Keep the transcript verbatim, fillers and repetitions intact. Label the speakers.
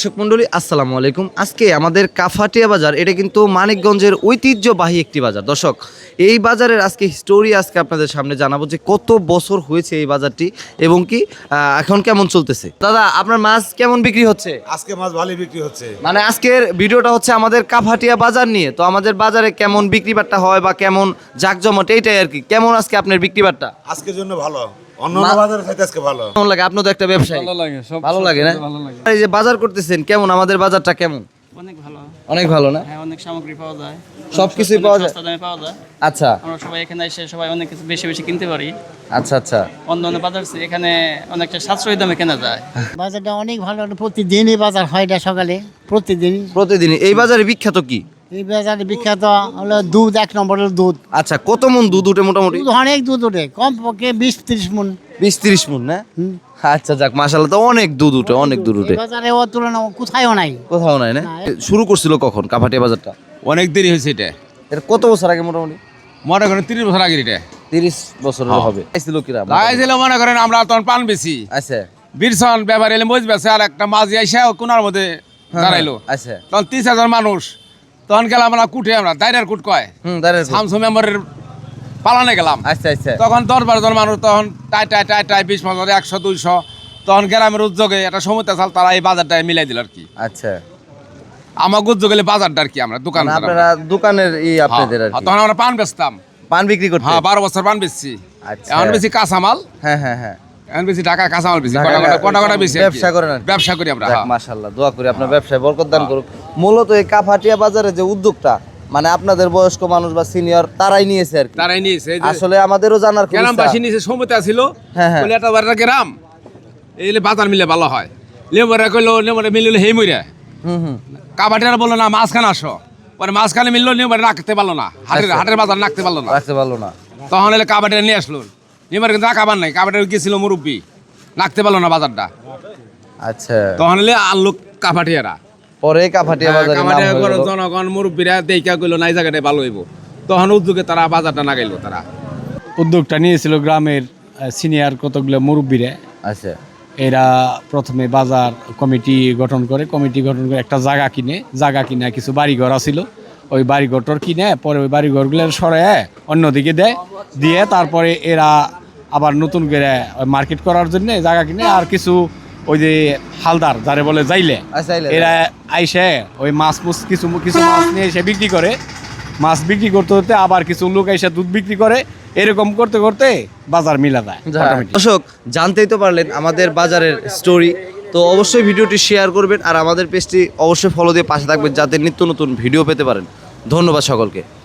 Speaker 1: দর্শক মণ্ডলী আসসালামু আলাইকুম। আজকে আমাদের কাফাটিয়া বাজার, এটা কিন্তু মানিকগঞ্জের ঐতিহ্যবাহী একটি বাজার। দর্শক, এই বাজারের আজকে স্টোরি আজকে আপনাদের সামনে জানাবো যে কত বছর হয়েছে এই বাজারটি এবং কি আহ, এখন কেমন চলতেছে। দাদা, আপনার মাছ কেমন বিক্রি হচ্ছে?
Speaker 2: আজকে মাছ ভালোই বিক্রি হচ্ছে।
Speaker 1: মানে আজকের ভিডিওটা হচ্ছে আমাদের কাফাটিয়া বাজার নিয়ে। তো আমাদের বাজারে কেমন বিক্রি বাট্টা হয় বা কেমন জাকজমট, এইটাই আর কি। কেমন আজকে আপনার বিক্রি বাট্টা?
Speaker 2: আজকের জন্য ভালো, অন্য অন্য বাজারে চাইতে আজকে ভালো।
Speaker 1: কেমন লাগে? আপনার তো একটা ব্যবসায়ী,
Speaker 3: ভালো লাগে, সব
Speaker 1: ভালো লাগে না?
Speaker 3: ভালো লাগে।
Speaker 1: এই যে বাজার করতেছেন, কেমন আমাদের বাজারটা কেমন?
Speaker 4: অনেক ভালো।
Speaker 1: অনেক ভালো না?
Speaker 4: হ্যাঁ, অনেক সামগ্রী পাওয়া যায়,
Speaker 1: সবকিছুই
Speaker 4: অনেক
Speaker 1: পাওয়া যায়।
Speaker 4: সস্তা দামে পাওয়া যায়।
Speaker 1: আচ্ছা
Speaker 4: আমরা সবাই এখানে এসে সবাই অনেক কিছু বেশি বেশি কিনতে পারি।
Speaker 1: আচ্ছা আচ্ছা
Speaker 4: অন্য অন্য বাজার চেয়ে এখানে অনেকটা সাশ্রয়ী দামে কেনা যায়।
Speaker 5: বাজারটা অনেক ভালো, প্রতিদিনই বাজার হয় এটা সকালে, প্রতিদিনই।
Speaker 1: প্রতিদিন এই বাজারে বিখ্যাত কি?
Speaker 5: এই বাজারে বিখ্যাত হলো দুধ, এক নম্বরের দুধ।
Speaker 1: আচ্ছা, কত মন দুধ উঠে মোটামুটি?
Speaker 5: দুধ অনেক দুধ ওঠে, কম পক্ষে বিশ ত্রিশ মন।
Speaker 1: বিশ তিরিশ মন না? আচ্ছা যাক, মাশাআল্লাহ, তো অনেক দুধ উঠে, অনেক দুধ উঠে।
Speaker 5: এই বাজারে ও তুলনা কোথায়ও নাই।
Speaker 1: কোথাও নাই না?
Speaker 5: না।
Speaker 1: শুরু করছিল কখন কাফাটিয়া বাজারটা?
Speaker 3: অনেক দেরি হয়েছে এটা,
Speaker 1: এর কত বছর আগে মোটামুটি?
Speaker 3: মনে করেন তিরিশ বছর আগে এটা
Speaker 1: তিরিশ বছর হবে। আইছিল কিরা?
Speaker 3: লাগাইছিল, মনে করেন আমরা তখন পান বেশি
Speaker 1: আচ্ছা
Speaker 3: বীরসন ব্যাপার এলে মজ বেছে, আর একটা মাঝি আইসা কোনার মধ্যে দাঁড়াইলো।
Speaker 1: আচ্ছা
Speaker 3: তখন তিরিশ হাজার মানুষ, তখন গেলাম আমরা কুটে, আমরা দাইরার কুট কয়
Speaker 1: হুম দাঁড়ায়।
Speaker 3: শামসু মেম্বারের পালানে গেলাম।
Speaker 1: আচ্ছা আচ্ছা
Speaker 3: তখন দশ বারো জন মানুষ, তখন টাই টাই টাই টাই বিশ পঞ্চাশ একশো দুইশো, তখন গ্রামের উদ্যোগে একটা সমুদ্র চাল তারা এই বাজারটা মিলাই দিল আর কি।
Speaker 1: আচ্ছা,
Speaker 3: আমার উদ্যোগ এলে বাজারটা আর কি, আমরা দোকান
Speaker 1: মানে আপনারা দোকানের ই আপনাদের আর কি
Speaker 3: তখন আমরা পান বেচতাম।
Speaker 1: পান বিক্রি করতে?
Speaker 3: হ্যাঁ, বারো বছর পান বেচছি।
Speaker 1: আচ্ছা।
Speaker 3: এখন বেশি কাঁচামাল,
Speaker 1: হ্যাঁ হ্যাঁ হ্যাঁ
Speaker 3: এখন বেশি ঢাকা কাঁচামাল বেশি,
Speaker 1: ঢাকা-
Speaker 3: কটা কটা কটা বেশি আর কি।
Speaker 1: ব্যবসা করেন আর কি?
Speaker 3: ব্যবসা করি আমরা।
Speaker 1: যাক,
Speaker 3: হ্যাঁ।
Speaker 1: মাশাআল্লাহ, দোয়া করি আপনার ব্যবসায় বরকত দান করুক। মূলত এই কাফাটিয়া বাজারে যে উদ্যোগটা, মানে আপনাদের বয়স্ক মানুষ বা সিনিয়র তারাই নিয়েছে আর কি।
Speaker 3: তারাই নিয়েছে, এই যে
Speaker 1: আসলে আমাদেরও জানার খুব ইচ্ছা।
Speaker 3: গ্রামবাসী নিয়েছে, সমতা ছিল
Speaker 1: হ্যাঁ, হ্যাঁ।
Speaker 3: বলে এটা বারটা গ্রাম এই যে বাজার মিলে ভালো হয়। লেবরা কইলো, লেবরা মিললে হেই মইরা,
Speaker 1: হুম হুম
Speaker 3: কাবাটিরা বললো না মাঝখানে আসো, পরে মাঝখানে মিললো, নেবরে রাখতে পারলো না, হাটের
Speaker 1: আচ্ছা।
Speaker 3: হাটের বাজার রাখতে পারলো না।
Speaker 1: রাখতে পারলো না।
Speaker 3: তখন এলে কাবাটিরা নিয়ে আসলো, নেবার কিন্তু রাখাবার নাই, কাবাটিরা গেছিল মুরব্বী, রাখতে পারলো না বাজারটা।
Speaker 1: আচ্ছা,
Speaker 3: তখন এলে আনলো কাবাটিয়ারা,
Speaker 1: পরে কাফাটিয়া বাজারে নাম হয়ে গেল।
Speaker 3: জনগণ মুরব্বীরা দেখা কইলো না এই জায়গাটায় ভালো হইব, তখন উদ্যোগে তারা বাজারটা নাগাইলো। তারা
Speaker 6: উদ্যোগটা নিয়েছিল গ্রামের সিনিয়র কতগুলো মুরব্বীরা।
Speaker 1: আচ্ছা
Speaker 6: এরা প্রথমে বাজার কমিটি গঠন করে, কমিটি গঠন করে একটা জায়গা কিনে, জায়গা কিনে কিছু বাড়িঘর আছিল, ওই বাড়িঘরটর কিনে পরে ওই বাড়িঘরগুলোর সরায় অন্যদিকে দেয়, দিয়ে তারপরে এরা আবার নতুন করে মার্কেট করার জন্য জায়গা কিনে। আর কিছু ওই যে হালদার যারে বলে যাইলে,
Speaker 1: আচ্ছা, এলে-
Speaker 6: এরা আইসে ওই মাছ মুছ কিছু কিছু মাছ নিয়ে এসে বিক্রি করে, মাছ বিক্রি করতে করতে আবার কিছু লোক এসে দুধ বিক্রি করে, এরকম করতে করতে বাজার মিলা যায় automatic।
Speaker 1: দর্শক, জানতেই তো পারলেন আমাদের বাজারের স্টোরি। তো অবশ্যই ভিডিওটি শেয়ার করবেন আর আমাদের পেজটি অবশ্যই ফলো দিয়ে পাশে থাকবেন যাতে নিত্য নতুন ভিডিও পেতে পারেন। ধন্যবাদ সকলকে।